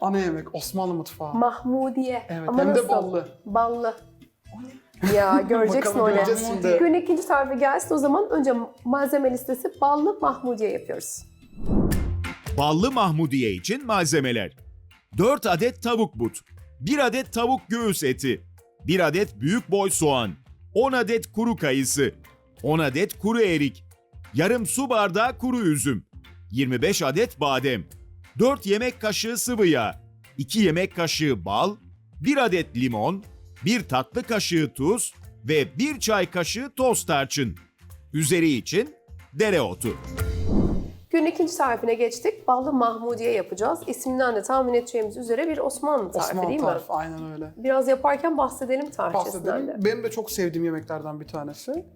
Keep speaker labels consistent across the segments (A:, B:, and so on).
A: Ana yemek, Osmanlı mutfağı.
B: Mahmudiye.
A: Evet,
B: Ama
A: hem
B: nasıl?
A: de ballı.
B: Ballı. Ya göreceksin
A: Bakalım,
B: öyle.
A: göreceğiz şimdi.
B: Günün ikinci tarifi gelsin o zaman önce malzeme listesi ballı mahmudiye yapıyoruz.
C: Ballı mahmudiye için malzemeler: 4 adet tavuk but, 1 adet tavuk göğüs eti, 1 adet büyük boy soğan, 10 adet kuru kayısı, 10 adet kuru erik, yarım su bardağı kuru üzüm, 25 adet badem, 4 yemek kaşığı sıvı yağ, 2 yemek kaşığı bal, 1 adet limon, 1 tatlı kaşığı tuz ve 1 çay kaşığı toz tarçın. Üzeri için dereotu.
B: Günün ikinci tarifine geçtik. Ballı mahmudiye yapacağız. İsminden de tahmin edeceğimiz üzere bir Osmanlı tarifi
A: Osmanlı
B: değil
A: tarifi,
B: mi?
A: aynen öyle.
B: Biraz yaparken bahsedelim tarifçesinden de.
A: Bahsedelim. Benim de çok sevdiğim yemeklerden bir tanesi.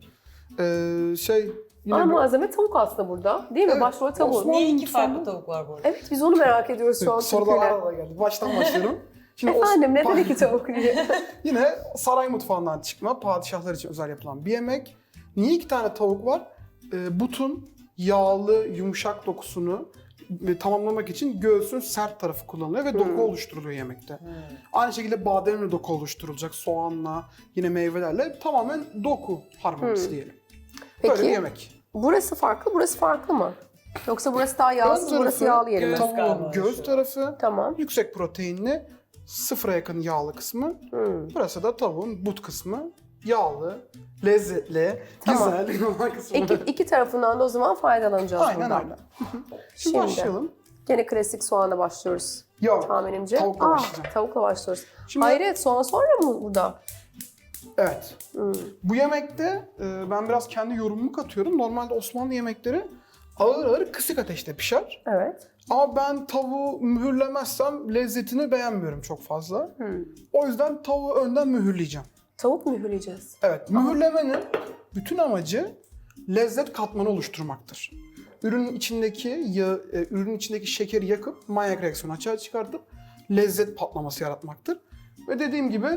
A: Yine
B: Ana
A: bir-
B: malzeme tavuk aslında burada. Değil mi?
A: Evet,
B: Başrol tavuk.
A: Osmanlı-
D: Niye iki
A: mutfağında-
D: farklı tavuk var bu arada?
B: Evet biz onu merak ediyoruz şu an.
A: Sorular
B: Türkiye'de.
A: arada geldi. Baştan başlıyorum. Şimdi
B: Efendim neden iki tavuk diye.
A: Yine saray mutfağından çıkma, padişahlar için özel yapılan bir yemek. Niye 2 tane tavuk var? Butun yağlı, yumuşak dokusunu tamamlamak için göğsün sert tarafı kullanılıyor ve doku oluşturuluyor yemekte. Aynı şekilde bademle doku oluşturulacak, soğanla, yine meyvelerle tamamen doku harmonisi diyelim. Böyle bir
B: Peki
A: yemek.
B: burası farklı, burası farklı mı? Yoksa burası daha
A: Ön
B: yağsız, burası
A: tarafı,
B: yağlı yeri mi?
D: göğüs
A: Tavuğun
D: galiba
A: göğüs
D: şu.
A: tarafı,
B: Tamam.
A: yüksek proteinli, sıfıra yakın yağlı kısmı. Burası da tavuğun but kısmı. Yağlı, lezzetli,
B: Tamam.
A: güzel olan kısmı.
B: İki tarafından da o zaman faydalanacağız
A: Aynen
B: buradan.
A: öyle. Şimdi
B: Şimdi.
A: başlayalım.
B: Gene klasik soğanla başlıyoruz
A: Yok,
B: tahminimce.
A: tavukla başlayacağım.
B: Tavukla başlıyoruz.
A: Şimdi-
B: Hayret soğan sonra mı burada?
A: Evet. Bu yemekte ben biraz kendi yorumumu katıyorum. Normalde Osmanlı yemekleri ağır ağır kısık ateşte pişer.
B: Evet.
A: Ama ben tavuğu mühürlemezsem lezzetini beğenmiyorum çok fazla. O yüzden tavuğu önden mühürleyeceğim.
B: Tavuk mühürleyeceğiz.
A: Evet, mühürlemenin bütün amacı lezzet katmanı oluşturmaktır. Ürünün içindeki yağı, ürünün içindeki şekeri yakıp manyak reaksiyonu açığa çıkartıp lezzet patlaması yaratmaktır. Ve dediğim gibi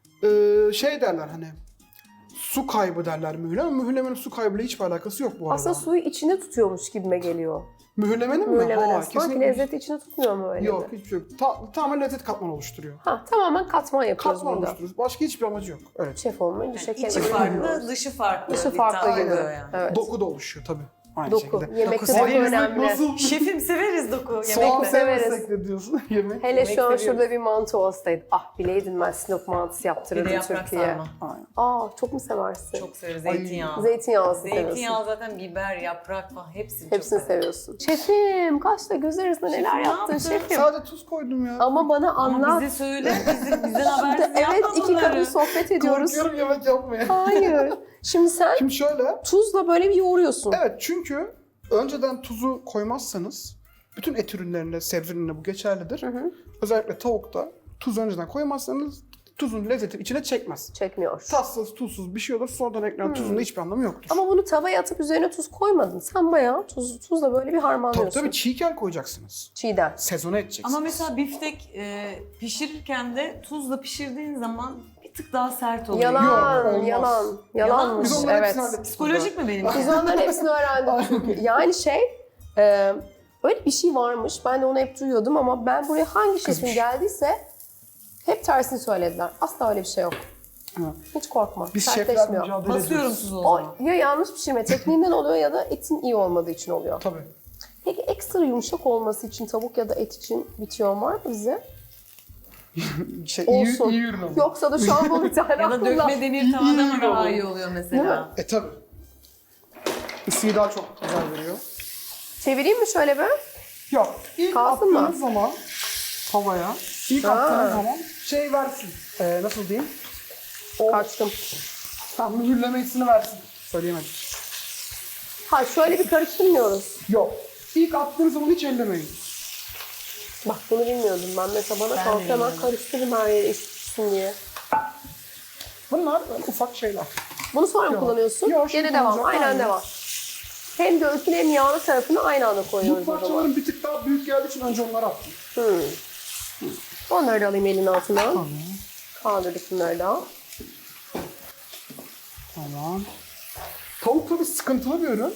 A: şey derler hani su kaybı derler mühürleme. Mühürlemenin su kaybıyla hiçbir alakası yok bu arada.
B: Aslında suyu içinde tutuyormuş gibime geliyor.
A: Mühürlemenin mi?
B: Mühürlemenin.
A: Ha,
B: Sanki
A: kesinlikle.
B: lezzeti içine tutmuyor mu öyle
A: Yok
B: mi?
A: hiçbir şey yok. Tamamen lezzet katmanı oluşturuyor.
B: Ha, tamamen katman yapıyoruz
A: Katman
B: burada.
A: oluşturuyoruz. Başka hiçbir amacı yok. Evet.
B: Şef olmayınca şeker
D: İçi farklı, dışı farklı.
B: Dışı
D: bir
B: farklı
D: tat
B: gibi.
D: oluyor yani.
B: Evet.
A: Doku da oluşuyor tabii. Aynı
B: Doku.
A: şekilde.
B: Yemekte
D: Doku
B: doku
D: severiz.
B: önemli.
A: Nasıl?
D: Şefim severiz doku.
A: Soğan
D: Yemekte.
B: severiz.
A: sevmesek de diyorsun yemek.
B: Hele şu an
D: seviyoruz.
B: şurada bir mantı olsaydı. Ah bileydim ben Sinop mantısı
D: Bir de
B: yaptırırdım
D: yaprak
B: Türkiye'ye.
D: sarma.
A: Aynen.
B: Aa çok mu seversin?
D: Çok severiz. Zeytinyağı.
B: Zeytinyağlısı seviyorsun.
D: Zeytinyağı zaten biber, yaprak falan hepsini,
B: Hepsini
D: çok severim.
B: seviyorsun. Şefim kaçta göz arasında neler
D: Şefim, ne
B: yaptın
D: yaptın?
B: şefim?
A: Sadece tuz koydum ya.
B: Ama bana
D: Ama
B: anlat.
D: bize söyle, bizden habersiz
B: Evet
D: yapma
B: iki
D: bunları.
B: kadın sohbet ediyoruz.
A: Korkuyorum yemek yapmaya.
B: Hayır. Şimdi sen
A: Şimdi şöyle.
B: tuzla böyle bir yoğuruyorsun.
A: Evet çünkü önceden tuzu koymazsanız bütün et ürünlerinde, sebze ürünlerinde bu geçerlidir. Özellikle tavukta tuz önceden koymazsanız tuzun lezzeti içine çekmez.
B: Çekmiyor.
A: Tatsız, tuzsuz bir şey olur. Sonradan eklenen tuzun da hiçbir anlamı yoktur.
B: Ama bunu tavaya atıp üzerine tuz koymadın. Sen bayağı tuzla böyle bir harmanlıyorsun.
A: Tabii çiğken koyacaksınız.
B: Çiğden.
A: Sezona edeceksiniz.
D: Ama mesela biftek pişirirken de tuzla pişirdiğin zaman bir tık daha sert oluyor.
B: Yalan,
A: Yok, olmaz.
B: yalanmış.
A: Biz onların
B: Evet.
A: hepsini hallettik.
D: Psikolojik mi benim?
B: Biz onların hepsini öğrendik çünkü. Yani öyle bir şey varmış. Ben de onu hep duyuyordum ama ben buraya hangi şefin
A: Kızmış.
B: geldiyse hep tersini söylediler. Asla öyle bir şey yok.
A: Ha.
B: Hiç korkma.
A: Biz şefler
B: Sertleşmiyor.
A: mücadele
D: Basıyorum
A: ediyoruz.
D: tuzu o
B: O
D: zaman.
B: ya yanlış pişirme tekniğinden oluyor ya da etin iyi olmadığı için oluyor.
A: Tabii.
B: Peki ekstra yumuşak olması için tavuk ya da et için bitiyor var mı bize?
A: iyi,
B: Olsun.
A: iyi ürün ama.
B: Yoksa da şu an bu bir tane
D: Ya da
B: aklımda.
D: dökme demir tavada mı daha iyi oluyor mesela?
A: Tabii. Isıyı daha çok güzel veriyor.
B: Çevireyim mi şöyle bir?
A: Yok. İlk
B: Kalsın mı?
A: attığınız zaman tavaya, ilk
B: Ha.
A: attığınız zaman şey versin. Nasıl diyeyim? O
B: Kaçtım.
A: tam mühürleme hissini versin. Söyleyemedim.
B: Ha şöyle bir karıştırmıyoruz.
A: Yok. İlk attığınız zaman hiç ellemeyin.
B: Bak bunu bilmiyordum ben. Mesela bana
D: Ben
B: kalsa
D: de
B: hemen
D: bilmiyordum.
B: karıştırırım her yere eşitsin diye.
A: Bunlar böyle ufak şeyler.
B: Bunu sonra mı
A: Yok.
B: kullanıyorsun?
A: Yok, şimdi
B: Gene devam.
A: kullanacağım.
B: Aynen
A: Aynen.
B: devam. Hem göğsün hem yağlı tarafını aynı anda
A: Bu
B: koyuyoruz o zaman.
A: parçaların bir tık daha büyük geldiği için önce onları attım.
B: Onları da alayım elin altına.
A: Tamam.
B: Kaldırdık bunları da.
A: Tamam. Tavuk tabii sıkıntılı bir ürün.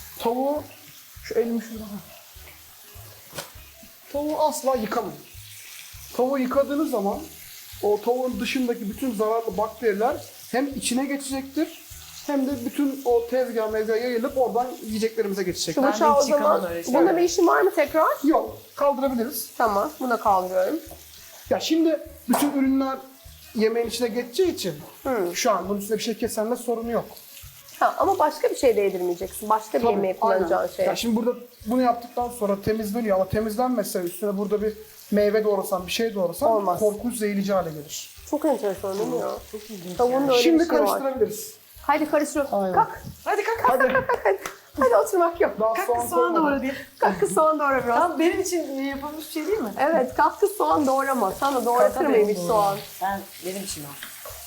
A: Tavuğu şu elimi şurada. Tavuğu asla yıkamayın. Tavuğu yıkadığınız zaman o tavuğun dışındaki bütün zararlı bakteriler hem içine geçecektir hem de bütün o tezgah yayılıp oradan yiyeceklerimize geçecek.
B: Şu
D: Ben
B: bıçağı o
D: hiç yıkamam
B: zaman,
D: öyle şey.
B: bunda bir işim var mı tekrar?
A: Yok, kaldırabiliriz.
B: Tamam, bunu kaldırıyorum.
A: Ya şimdi bütün ürünler yemeğin içine geçeceği için şu an bunun üstüne bir şey kesenle sorunu yok.
B: Ha, ama başka bir şey de yedirmeyeceksin. Başka bir yemeğe kullanacağın
A: aynen.
B: şey.
A: Ya şimdi burada bunu yaptıktan sonra temizleniyor ama temizlenmezse üstüne burada bir meyve doğrasan, bir şey doğrasan
B: Olmaz.
A: korkunç zehirleyici hale gelir.
B: Çok enteresan değil mi ya? Çok ilginç. Tavuğun da öyle
A: Şimdi
B: bir şey var.
A: karıştırabiliriz.
B: Haydi karıştır.
A: Aynen.
B: Kalk.
D: Hadi kalk.
A: Hadi.
B: Hadi oturmak yok.
A: Daha
D: Kalk
A: soğan
D: kız soğan
A: koymadım.
D: doğra diye.
B: Kalk kız soğan doğra biraz.
D: Tamam benim için yapılmış bir şey değil mi?
B: Evet, kalk kız soğan doğrama. Sana doğratır
D: Tabii,
B: mıymış
D: doğru.
B: soğan?
D: Benim işim o.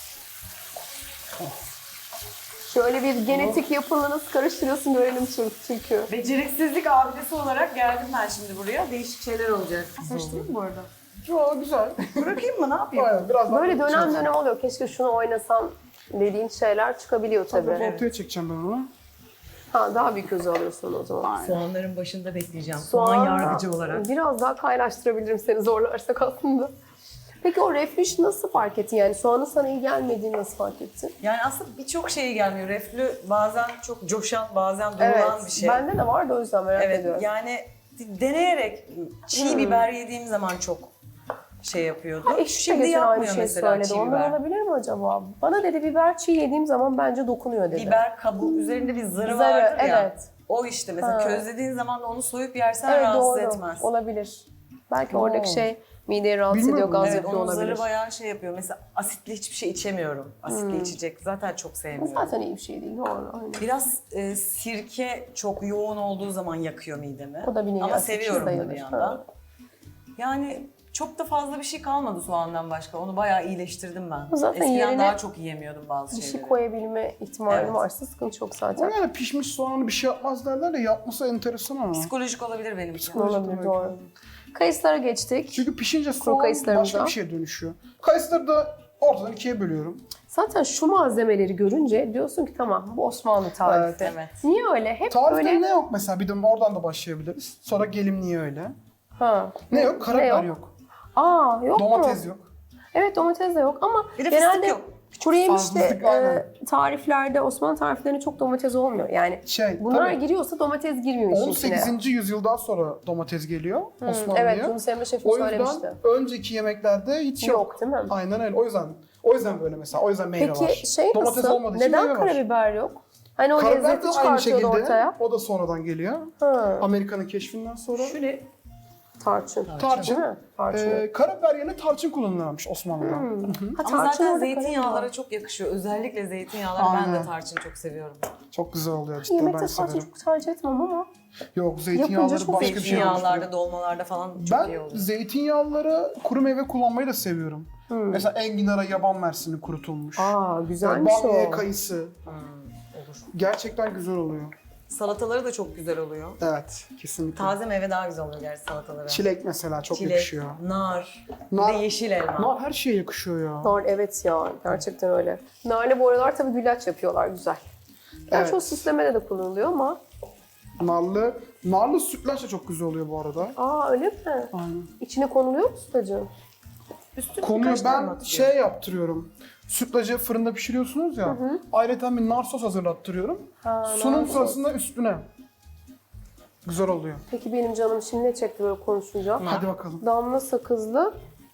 B: Şöyle bir genetik yapını nasıl karıştırıyorsun görelim çünkü.
D: Beceriksizlik abidesi olarak geldim ben şimdi buraya. Değişik şeyler olacak. Karıştırayım mı bu arada?
A: Yo, güzel.
D: Bırakayım mı? Ne yapayım?
A: Aynen, biraz daha
B: Böyle dönem dönem oluyor. Keşke şunu oynasam dediğin şeyler çıkabiliyor tabii.
A: Ortaya çekeceğim ben onu.
B: Ha, daha büyük gözü alıyorsun o zaman.
D: Soğanların başında bekleyeceğim. Soğan yargıcı olarak.
B: Biraz daha kaynaştırabilirim seni zorlarsak aslında. Peki o reflüş nasıl fark ettin? Yani soğanın sana iyi gelmediğini nasıl fark ettin?
D: Yani aslında birçok şeye gelmiyor. Reflü bazen çok coşan, bazen durulan bir şey.
B: Bende de var da o yüzden merak
D: Evet,
B: ediyorum.
D: yani deneyerek çiğ biber yediğim zaman çok şey yapıyordu.
B: Eşim de
D: Şimdi
B: geçen aynı
D: yapmıyor
B: şey
D: mesela
B: söyledi.
D: çiğ
B: Ondan
D: biber.
B: olabilir mi acaba? Bana dedi biber çiğ yediğim zaman bence dokunuyor dedi.
D: Biber kabuğu üzerinde bir zarı
B: Zarı,
D: vardır ya.
B: evet.
D: O işte mesela
B: Ha.
D: közlediğin zaman da onu soyup yersen
B: Evet,
D: rahatsız
B: doğru.
D: etmez.
B: Olabilir. Belki oradaki şey mideyi rahatsız
A: Bilmiyorum.
B: ediyor, gaz
D: Evet,
B: yapıyor
D: onun
B: olabilir.
D: zarı bayağı şey yapıyor. Mesela asitli hiçbir şey içemiyorum. Asitli içecek zaten çok
B: Bu
D: sevmiyorum.
B: zaten iyi bir şey değil, doğru. Aynen.
D: Biraz sirke çok yoğun olduğu zaman yakıyor midemi.
B: O da bir nevi
D: Ama
B: asit
D: seviyorum da
B: sayılır.
D: bir yandan.
B: Ha.
D: Yani çok da fazla bir şey kalmadı soğandan başka. Onu bayağı iyileştirdim ben.
B: Zaten
D: Eskiden
B: yerine
D: daha çok yiyemiyordum bazı
B: Bir şey
D: şeyleri.
B: koyabilme ihtimali
D: Evet.
B: varsa sıkıntı yok
A: O
B: zaten.
A: yani pişmiş soğanı bir şey yapmaz derler de yapması enteresan ama.
D: Psikolojik olabilir benim için.
B: Olabilir,
A: demek.
B: doğru. Kayısılara geçtik.
A: Çünkü pişince soğan
B: kayısılarımıza.
A: başka bir şeye dönüşüyor. Kayısıları da ortadan ikiye bölüyorum.
B: Zaten şu malzemeleri görünce diyorsun ki tamam bu Osmanlı tarifi.
D: Evet.
B: Niye öyle? Hep
A: Tarifte
B: böyle...
A: ne yok mesela? Bir de oradan da başlayabiliriz. Sonra gelim niye öyle?
B: Ha.
A: Ne yok? Karabiber yok.
B: Aa, yok mu?
A: Domates yok.
B: Evet, domates de yok ama
D: Bir de
B: genelde
D: fıstık yok.
B: kuru yemişte
A: Fazlalık, aynen.
B: tariflerde, Osmanlı tariflerinde çok domates olmuyor. Yani bunlar
A: tabii,
B: giriyorsa domates girmiyor işin içine.
A: 18. yüzyıldan sonra domates geliyor Osmanlı'ya.
B: Evet, Yunus Emre Şef'im
A: O yüzden
B: söylemişti.
A: önceki yemeklerde hiç yok.
B: Yok değil mi?
A: Aynen öyle. O yüzden böyle mesela. O yüzden meyve var.
B: Peki şey
A: Domates
B: nasıl?
A: olmadığı için
B: Neden
A: meyve var.
B: karabiber yok? Hani o
A: Karabiber de
B: lezzeti
A: aynı
B: çıkartıyordu
A: şekilde.
B: ortaya.
A: O da sonradan geliyor.
B: Ha,
A: Amerika'nın keşfinden sonra.
D: Şöyle
B: tarçın.
A: Tarçın.
B: Değil mi? Tarçın.
A: Karabiber yerine tarçın kullanılırmış Osmanlı'da.
B: Ha,
D: ama
B: tarçın
D: zaten
B: orada
D: zeytinyağlara
B: karabiber.
D: çok yakışıyor. Özellikle zeytinyağları ben
A: Aynen.
D: de tarçın çok seviyorum.
A: Çok güzel oluyor cidden,
B: Yemekte
A: ben
B: tarçın
A: severim.
B: çok tercih etmem ama.
A: Yok, zeytinyağları
B: çok
A: başka bir şey
D: Zeytinyağlarda,
A: oluşturuyor.
D: dolmalarda falan çok iyi
A: Ben
D: oluyor.
A: zeytinyağları kuru meyve kullanmayı da seviyorum. Mesela enginara yaban mersini kurutulmuş.
B: Aa, güzelmiş
A: Bamya
B: o.
A: kayısı.
D: Olur.
A: Gerçekten güzel oluyor.
D: Salataları da çok güzel oluyor.
A: Evet, kesinlikle.
D: Taze meyve daha güzel oluyor gerçi salatalara.
A: Çilek mesela çok
D: Çilek,
A: yakışıyor.
D: nar, bir
A: Nar-
D: de yeşil elma.
A: Nar her şeye yakışıyor ya.
B: Nar, evet ya, gerçekten öyle. Narlı bu aralar tabii güllaç yapıyorlar, güzel. Gerçi
A: Evet.
B: o süslemede de kullanılıyor ama.
A: Narlı sütlaç da çok güzel oluyor bu arada.
B: Aa, öyle mi?
A: Aynen.
B: İçine konuluyor mu sütlacın?
D: Üstüne
A: Konuyu
D: birkaç tane
A: ben
D: atıyor.
A: şey yaptırıyorum. Sütlacı fırında pişiriyorsunuz ya. Ayrıca bir nar sos hazırlattırıyorum. Sunum
B: nar sos.
A: sırasında üstüne. Güzel oluyor.
B: Peki benim canım şimdi ne çekti böyle konuşunca?
A: Hadi bakalım.
B: Damla sakızlı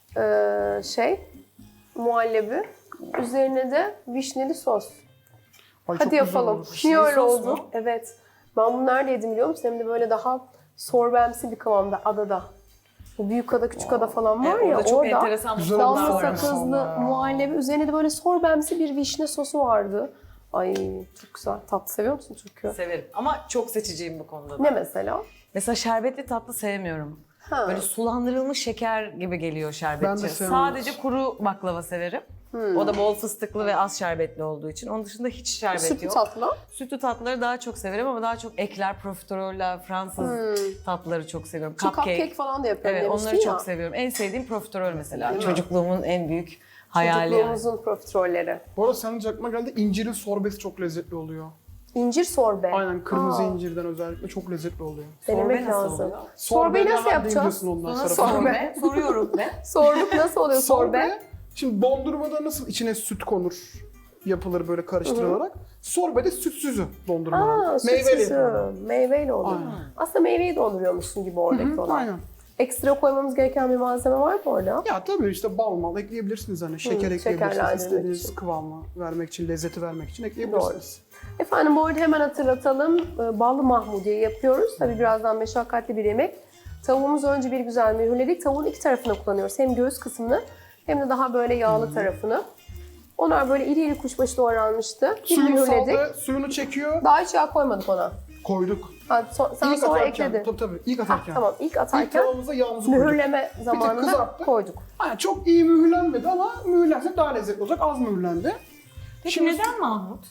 B: muhallebi. Üzerine de vişneli sos.
A: Ay, çok
B: Hadi
A: güzel
B: yapalım.
A: olur.
B: Niye öyle
D: sos
B: oldu?
D: mu?
B: Evet. Ben bunu nerede yedim biliyor musun? Hem de böyle daha sorbemsi bir kıvamda, adada. Bu büyük ada, küçük ada falan var
D: Evet,
B: ya,
D: orada çok
B: orada
D: enteresan
A: Güzel
D: mutfaklar
A: olmuş
B: damla
D: var.
A: sonra.
B: sakızlı
A: Ya.
B: muhallebi. Üzerine de böyle sorbemsi bir vişne sosu vardı. Ay çok güzel. Tatlı seviyor musun çünkü?
D: Severim ama çok seçiciyim bu konuda da.
B: Ne mesela?
D: Mesela şerbetli tatlı sevmiyorum.
B: Ha.
D: Böyle sulandırılmış şeker gibi geliyor
A: Ben
D: şerbetçi.
A: de sevmem.
D: Sadece kuru baklava severim. O da bol fıstıklı ve az şerbetli olduğu için. Onun dışında hiç şerbet
B: Sütlü
D: yok.
B: tatlı.
D: Sütlü tatlıları daha çok severim ama daha çok ekler, profiteroller, Fransız tatlıları çok seviyorum.
B: Şu cupcake falan da yapıyorum
D: Evet,
B: demiştin
D: onları
B: ya.
D: çok seviyorum. En sevdiğim profiterol mesela.
B: Değil mi?
D: Çocukluğumun en büyük hayali yani.
B: Çocukluğumuzun profiterolleri.
A: Bu arada senin aklıma geldi, incirin sorbesi çok lezzetli oluyor.
B: İncir sorbe.
A: Aynen, kırmızı
B: Aa,
A: incirden özellikle çok lezzetli oluyor.
B: Denemek
D: Sorbe nasıl
B: lazım.
D: oluyor?
B: Sorbeyi nasıl
A: hemen
B: yapacağız?
A: değiniyorsun ondan
D: Sonra
A: sonra.
D: sorbe. Soruyorum ne?
B: Sorduk, nasıl oluyor sorbe?
A: Şimdi dondurmada nasıl içine süt konur, yapılır böyle karıştırılarak. Sorbe de sütsüzü dondurma.
B: Aa,
A: Meyveli
B: sütsüzü.
A: yapıyorlar.
B: Meyveyle oluyor.
A: Aynen.
B: Aslında meyveyi donduruyormuşsun gibi oradaki olan.
A: Aynen.
B: Ekstra koymamız gereken bir malzeme var mı orada?
A: Ya tabii işte bal mal ekleyebilirsiniz, hani şeker ekleyebilirsiniz,
B: şekerlendirmek
A: istediğiniz
B: için.
A: kıvamı vermek için, lezzeti vermek için ekleyebilirsiniz.
B: Efendim bu arada hemen hatırlatalım. Ballı mahmudiye yapıyoruz. Tabii birazdan meşakkatli bir yemek. Tavuğumuzu önce bir güzel mühürledik. Tavuğun iki tarafını kullanıyoruz. Hem göğüs kısmını hem de daha böyle yağlı tarafını. Onlar böyle iri iri kuşbaşı doğranmıştı. Bir
A: Suyunu
B: mühürledik.
A: saldı, suyunu çekiyor,
B: Daha hiç yağ koymadık ona.
A: koyduk.
B: Ha, sen
A: İlk
B: sonra
A: atarken,
B: ekledin.
A: tabii ilk
B: Ha,
A: atarken.
B: tamam ilk
A: İlk
B: atarken
A: tavamıza yağımızı koyduk.
B: mühürleme zamanında
A: kızarttık.
B: koyduk.
A: Yani çok iyi mühürlenmedi ama mühürlense daha lezzetli olacak, az mühürlendi.
D: Peki
A: Şimdi-
D: neden Mahmut?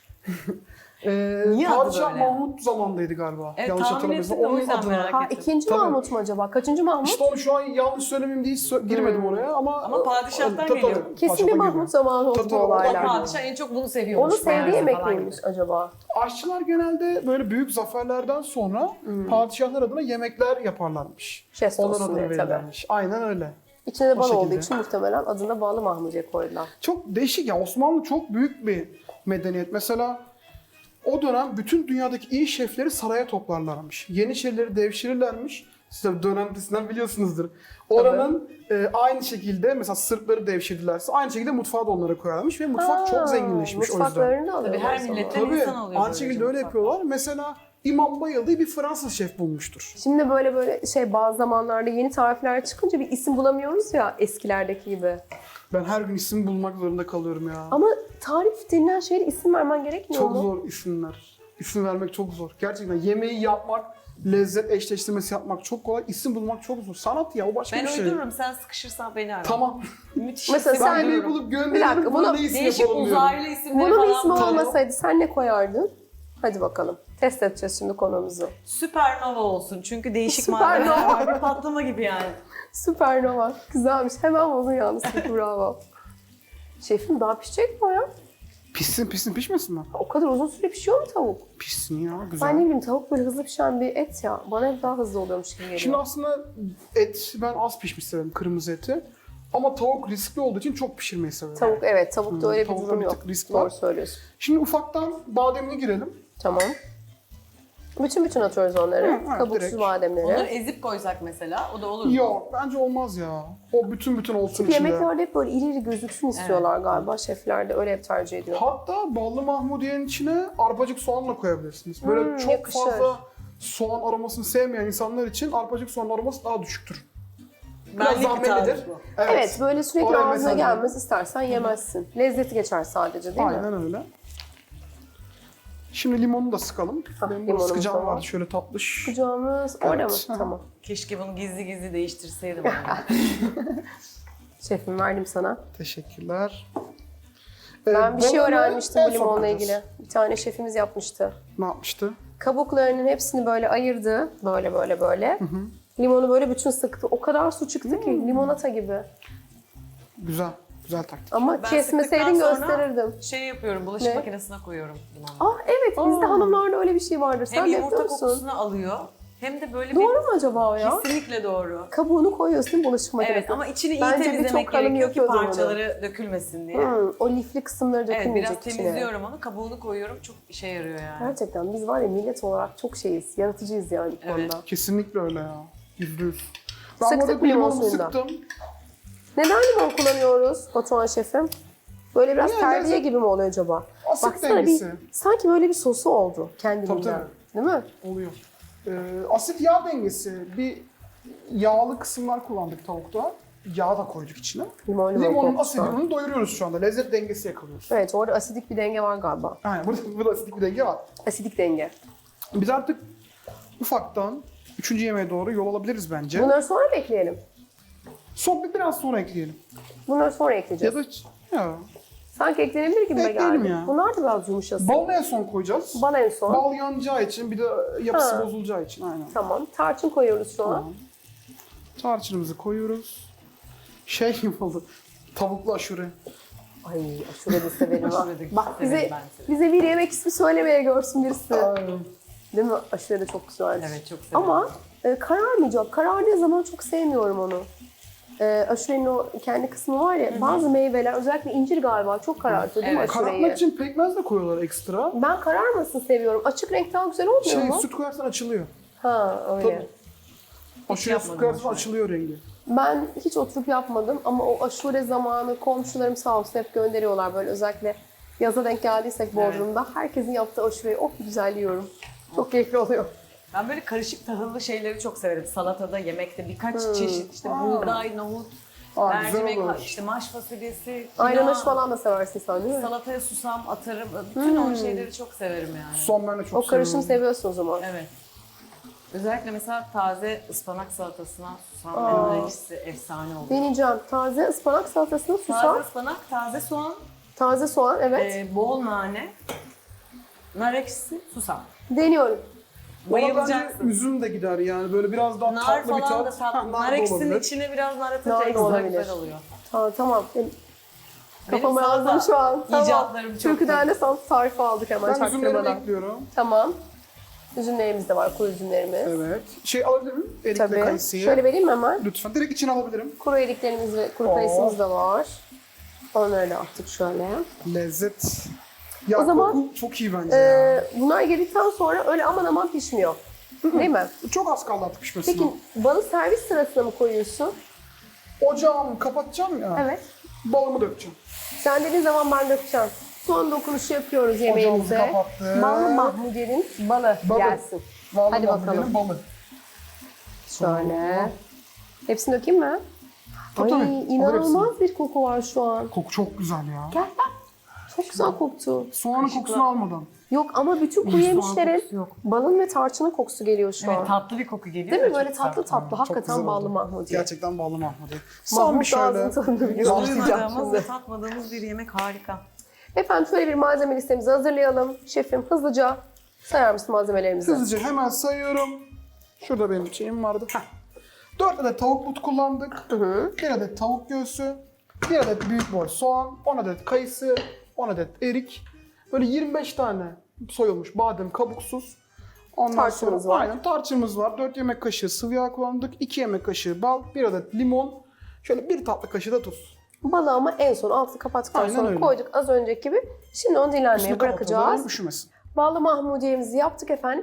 A: Niye
D: adı
A: Padişah
D: böyle?
A: Mahmut zamandaydı galiba.
D: Evet,
A: Yanlış
D: tahmin
A: hatırlamıyorsam.
D: ettim de o
A: Onun
D: yüzden
A: adına.
D: merak
B: Ha
D: ettim.
B: ikinci
A: Tabii.
B: Mahmut mu acaba? Kaçıncı Mahmut?
A: İşte onu şu an yanlış söylemeyeyim diye girmedim oraya ama...
D: Ama padişahtan
A: Tabii,
D: geliyor.
A: tabii,
B: Kesin bir
A: padişahtan
B: Mahmut
A: geliyor.
B: zamanı oldu
A: Tabii,
B: bu
A: tabii,
B: olaylar.
A: oradan
D: Padişah en çok bunu seviyormuş.
B: Onu sevdiği
D: meğerse
B: yemek
D: falan
B: miymiş
D: gibi.
B: acaba?
A: Aşçılar genelde böyle büyük zaferlerden sonra padişahlar adına yemekler yaparlarmış.
B: Jest
A: Onlar
B: olsun
A: adına
B: diye tabii.
A: verirlermiş. Aynen öyle.
B: İçine de
A: O
B: bal olduğu
A: şekilde.
B: için muhtemelen adına bağlı mahmudiye koydular.
A: Çok değişik ya. Osmanlı çok büyük bir medeniyet. Mesela o dönem bütün dünyadaki iyi şefleri saraya toplarlarmış. Yeniçerileri devşirirlermiş. Siz de dönem dizisinden biliyorsunuzdur. Oranın aynı şekilde mesela Sırpları devşirdilerse aynı şekilde mutfağı da onlara koyarlarmış ve mutfak çok zenginleşmiş o yüzden.
B: Mutfaklarını da alıyorlar.
D: Tabii her
B: o zaman.
D: milletten
A: Tabii
D: insan alıyor.
A: aynı
D: böylece
A: şekilde öyle
D: mutfakta.
A: yapıyorlar. Mesela İmam Bayıldığı bir Fransız şef bulmuştur.
B: Şimdi böyle bazı zamanlarda yeni tarifler çıkınca bir isim bulamıyoruz ya eskilerdeki gibi.
A: Ben her gün isim bulmak zorunda kalıyorum ya.
B: Ama tarif denilen şeye de isim vermen gerekmiyor
A: Çok
B: mu?
A: zor isimler. İsim vermek çok zor. Gerçekten yemeği yapmak, lezzet eşleştirmesi yapmak çok kolay. İsim bulmak çok zor. Sanat ya, o başka
D: Ben
A: bir şey.
D: uydururum, sen sıkışırsan beni ara.
A: Tamam.
D: Müthiş
B: Mesela
D: isim
B: sen-
A: Ben
D: bulurum.
A: bir bulup
B: Bir
A: gönderirim.
B: dakika,
A: Buna
B: bunu
A: ne isim
D: Değişik
A: yapalım diyorum.
D: uzaylı isimleri
B: Bunun
D: falan
B: ismi
D: bulurum.
B: olmasaydı sen ne koyardın? Hadi bakalım. Test edeceğiz şimdi konumuzu.
D: Süpernova olsun çünkü değişik
B: Süpernova.
D: malzemeler var. Bir patlama gibi yani.
B: Süpernova. Güzelmiş. Hemen buldun yalnız. Bravo. Şefim daha pişecek mi o ya?
A: Pişsin pişmesin mi?
B: O kadar uzun süre pişiyor mu tavuk?
A: Pişsin ya, güzel.
B: Ben ne bileyim tavuk böyle hızlı pişen bir et ya. Bana hep daha hızlı oluyormuş gibi geliyor.
A: Şimdi aslında et ben az pişmiş severim, kırmızı eti. Ama tavuk riskli olduğu için çok pişirmeyi severim.
B: Tavuk evet tavukta öyle bir
A: Tavukta
B: durum
A: bir
B: yok.
A: tık risk
B: Doğru
A: var.
B: söylüyorsun.
A: Şimdi ufaktan bademine girelim.
B: Tamam. Bütün atıyoruz onları.
A: Hı,
B: Kabuksuz
A: direkt.
B: bademleri.
D: Onları ezip koysak mesela o da olur mu?
A: Yok, bence olmaz ya. O bütün olsun içinde.
B: Yemeklerde hep böyle iri iri gözüksün istiyorlar galiba. Şefler de öyle hep tercih ediyor.
A: Hatta ballı mahmudiyenin içine arpacık soğanla koyabilirsiniz. Böyle çok
B: yakışır.
A: fazla soğan aromasını sevmeyen insanlar için arpacık soğan aroması daha düşüktür. Biraz
D: Benlik bir
A: zahmetlidir.
D: tarif bu.
B: Evet böyle sürekli
A: Oraya
B: ağzına
A: mesela-
B: gelmez istersen yemezsin. Lezzeti geçer sadece değil mi?
A: Aynen öyle. Şimdi limonu da sıkalım. Benim burada
B: limonumuz
A: sıkacağım
B: da var.
A: vardı şöyle tatlış.
B: Kucağımız orada mı?
A: Evet.
B: Tamam.
D: Keşke bunu gizli gizli değiştirseydim. yani.
B: Şefim verdim sana.
A: Teşekkürler.
B: Ben bir şey
A: balığını
B: öğrenmiştim
A: en
B: bu
A: son
B: limonla
A: koyacağız.
B: ilgili. Bir tane şefimiz yapmıştı.
A: Ne yapmıştı?
B: Kabuklarının hepsini böyle ayırdı. Böyle. Limonu böyle bütün sıktı. O kadar su çıktı ki limonata gibi.
A: Güzel. Güzel taktik.
B: Ama
D: Ben
B: kesmeseydin
D: sıktıktan sonra
B: gösterirdim.
D: Şey yapıyorum, bulaşık
B: Ne?
D: makinesine koyuyorum limonu.
B: Ah evet bizde hanımlarda öyle bir şey vardır. Sen
D: Hem
B: de
D: yumurta
B: yapıyor musun?
D: kokusunu alıyor hem de böyle
B: Doğru mu acaba o
D: bir...
B: ya?
D: Kesinlikle doğru.
B: Kabuğunu koyuyorsun bulaşık makinesine.
D: Evet ama içini iyi
B: Bence
D: temizlemek
B: birçok hanım
D: gerekiyor ki
B: yapıyordur onu.
D: parçaları dökülmesin diye.
B: O lifli kısımları
D: Evet
B: dökülmeyecek
D: biraz
B: içine.
D: temizliyorum onu, kabuğunu koyuyorum. Çok işe yarıyor yani.
B: Gerçekten biz var ya millet olarak çok şeyiz. Yaratıcıyız yani bu
D: Evet.
B: konuda.
A: Kesinlikle öyle ya. %100. Ben
B: Sıktık
A: burada
B: mı limon
A: limonumu
B: suyundan?
A: sıktım.
B: Neden limon kullanıyoruz Batuhan şefim? Böyle biraz
A: Yani
B: terbiye
A: lezzet-
B: gibi mi oluyor acaba?
A: Asit
B: Baksana
A: dengesi.
B: sanki böyle bir sosu oldu kendiliğinden.
A: Tabii.
B: Değil mi?
A: Oluyor. Asit yağ dengesi. Bir yağlı kısımlar kullandık tavukta. Yağ da koyduk içine.
B: Limon
A: Limonun
B: kokusu.
A: asidini doyuruyoruz şu anda. Lezzet dengesi yakalıyoruz.
B: Evet orada asidik bir denge var galiba.
A: Aynen. Burada asidik bir denge var.
B: Asidik denge.
A: Biz artık ufaktan 3. yemeğe doğru yol alabiliriz bence.
B: Bunları sonra mı ekleyelim?
A: Biraz sonra ekleyelim.
B: Bunları sonra
A: Ya
B: ekleyeceğiz.
A: da ya.
B: Sanki eklenebilir gibi
A: Ekleyelim
B: geldi.
A: ya.
B: Bunlar da biraz yumuşasın.
A: Balı en son koyacağız.
B: Bal en son.
A: Bal yanacağı için bir de yapısı
B: Ha.
A: bozulacağı için aynen.
B: Tamam. Tarçın koyuyoruz şu an.
A: Tamam. Tarçınımızı koyuyoruz. Şey gibi oldu. Tavuklu aşure.
B: Ay aşure de severim ha.
D: Aşure de
B: Bak
D: severim
B: bize,
D: ben severim.
B: bize bir yemek ismi söylemeye görsün birisi.
A: Aynen.
B: Değil mi? Aşure de çok güzel.
D: Evet çok severim.
B: Ama kararmayacak. Karardığı zaman çok sevmiyorum onu. Aşurenin o kendi kısmı var ya, bazı meyveler özellikle incir galiba çok karartıyor değil mi
D: Evet.
B: aşureyi?
A: Karartmak için pekmez de koyuyorlar ekstra.
B: Ben kararmasın seviyorum. Açık renk daha güzel olmuyor mu?
A: Süt koyarsan açılıyor.
B: Ha öyle.
A: Tabii. Aşure süt
D: yapmadım
A: koyarsan
D: aşure.
A: açılıyor rengi.
B: Ben hiç oturup yapmadım ama o aşure zamanı komşularım sağ olsun hep gönderiyorlar böyle, özellikle yaza denk geldiysek Bodrum'da. Herkesin yaptığı aşureyi güzel yiyorum. Çok keyifli oluyor.
D: Ben böyle karışık tahıllı şeyleri çok severim. Salatada, yemekte birkaç çeşit işte buğday, nohut,
A: Güzel
D: mercimek,
A: olur.
D: işte maş fasulyesi,
B: Ayran
D: kinoa,
B: aşı falan da seversin sen değil mi?
D: salataya susam atarım. Bütün o şeyleri çok severim yani.
A: Son ben de çok
B: O karışımı
A: seviyorum.
B: seviyorsun o zaman.
D: Evet. Özellikle mesela taze ıspanak salatasına susam
B: Aa.
D: ve nar ekşisi efsane oluyor.
B: Deneyeceğim. Taze ıspanak salatasına susam,
D: Taze ıspanak, taze soğan,
B: taze soğan, evet.
D: bol nane, nar ekşisi, susam.
B: Deniyorum.
A: Ona bence
D: Bayılacaksın.
A: üzüm de gider yani böyle biraz daha
D: Nar
A: tatlı bir
D: falan da
A: tat.
D: tatlı.
A: Ha,
D: Nar
A: da
D: ekşisinin
A: olabilir.
D: içine biraz nar
B: Nar
D: atınca
B: da
D: ekstra
B: olabilir.
D: güzel oluyor.
B: Tamam. Kafamı
D: salata
B: yazdım şu an. Tamam.
D: icatlarım çok
B: Türküden de salata tarifi aldık hemen
A: Ben üzümlerimi
B: çaktırmadan.
A: ekliyorum.
B: Tamam. Üzümlerimiz de var, kuru üzümlerimiz.
A: Evet. Alabilir miyim? Erik ve
B: Tabii.
A: kayısıyı.
B: Şöyle vereyim mi hemen?
A: Lütfen. Direkt içine alabilirim.
B: Kuru eriklerimiz ve kuru kayısımız da var. Onları da attık şöyle.
A: Lezzet. Ya
B: O zaman,
A: koku çok iyi bence ya.
B: Bunlar girdikten sonra öyle aman aman pişmiyor. Değil mi?
A: Çok az kaldı artık pişmesine.
B: Peki balı servis sırasına mı koyuyorsun?
A: Ocağımı kapatacağım ya.
B: Evet.
A: Balımı dökeceğim.
B: Sen dediğin zaman ben dökeceğim. Son dokunuşu yapıyoruz
A: Ocağımızı
B: yemeğimize.
A: kapattık.
B: Ballı Mahmudiye'nin balı
A: Balı.
B: gelsin.
A: Vallahi
B: Hadi bakalım.
A: benim balı.
B: Şöyle. Hepsini dökeyim mi?
A: Tabii,
B: Ay
A: tabii.
B: inanılmaz bir koku var şu an.
A: Koku çok güzel ya.
B: Gel. Çok güzel koktu.
A: Soğanın kokusunu almadan.
B: Yok ama bütün kuru
A: soğan
B: yemişlerin
D: kokusu yok.
B: balın ve tarçının kokusu geliyor şu
D: Evet
B: an.
D: tatlı bir koku geliyor.
B: Değil
D: da
B: mi? Böyle
D: çok
B: tatlı
D: güzel.
B: tatlı.
A: Çok
B: Hakikaten
A: güzel
B: ballı
A: oldu.
B: Mahmudiye.
A: Gerçekten ballı Mahmudiye. Son
B: Mahmut
A: bir şöyle.
B: ağzının tadını biliyor.
A: Başlayacağım
B: Başlayacağım
D: Duymadığımız
B: şimdi.
D: ve tatmadığımız bir yemek harika.
B: Efendim şöyle bir malzeme listemizi hazırlayalım. Şefim hızlıca sayar mısın malzemelerimizi?
A: Hızlıca hemen sayıyorum. Şurada benim şeyim vardı. 4 adet tavuk but kullandık. 1 adet tavuk göğsü. 1 adet büyük boy soğan. 10 adet kayısı. 10 adet erik. Böyle 25 tane soyulmuş badem kabuksuz. Ondan
B: Tarçınımız
A: sonra,
B: var.
A: Aynen tarçınımız var. 4 yemek kaşığı sıvı yağ kullandık. 2 yemek kaşığı bal. 1 adet limon. Şöyle 1 tatlı kaşığı da tuz.
B: Balı ama en son altını kapattıktan
A: Aynen
B: sonra
A: öyle.
B: koyduk az önceki gibi. Şimdi onu dinlenmeye
A: Üstünü
B: bırakacağız.
A: kapatalım, üşümesin.
B: Ballı Mahmudiye'mizi yaptık efendim.